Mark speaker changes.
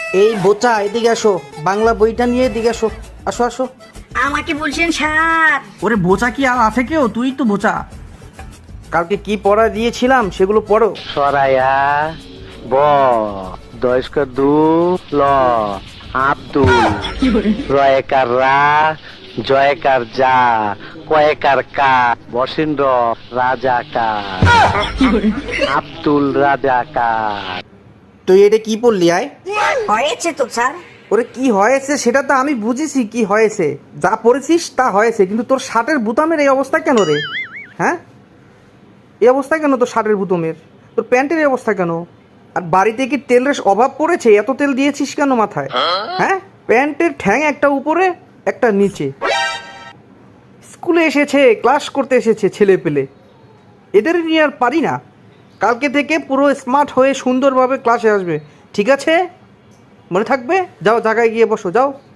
Speaker 1: এই বোচা, এদিকে আসো। বাংলা বইটা নিয়ে এদিকে আসো। আসো আসো।
Speaker 2: আমাকে বলছেন স্যার?
Speaker 3: ওরে বোচা কি আর আছে কেউ? তুই তো বোচা।
Speaker 1: কালকে কি পড়া দিয়েছিলাম সেগুলো পড়ো।
Speaker 4: সরায়া ব দয়স্কর দু ল আব্দুল রয়েকার রা জয়কার যা কয়েকার কা বসিন্দ্র রাজাকার আব্দুল রাজাকার।
Speaker 1: তুই এটা কি পড়লি আয়?
Speaker 2: হয়েছে তো স্যার।
Speaker 1: ওরে কি হয়েছে সেটা তো আমি বুঝেছি কি হয়েছে। যা পড়েছিস তা হয়েছে, কিন্তু তোর শার্টের বুতামের এই অবস্থা কেন রে? হ্যাঁ, এই অবস্থা কেন তোর শার্টের বুতামের? তোর প্যান্টের এই অবস্থা কেন? আর বাড়িতে কি তেলের অভাব পড়েছে? এত তেল দিয়েছিস কেন মাথায়? হ্যাঁ, প্যান্টের ঠ্যাং একটা উপরে একটা নিচে। স্কুলে এসেছে, ক্লাস করতে এসেছে ছেলে পেলে, এদের নিয়ে আর পারি না। কালকে থেকে পুরো স্মার্ট হয়ে সুন্দরভাবে ক্লাসে আসবে, ঠিক আছে? মনে থাকবে? যাও জায়গায় গিয়ে বসো, যাও।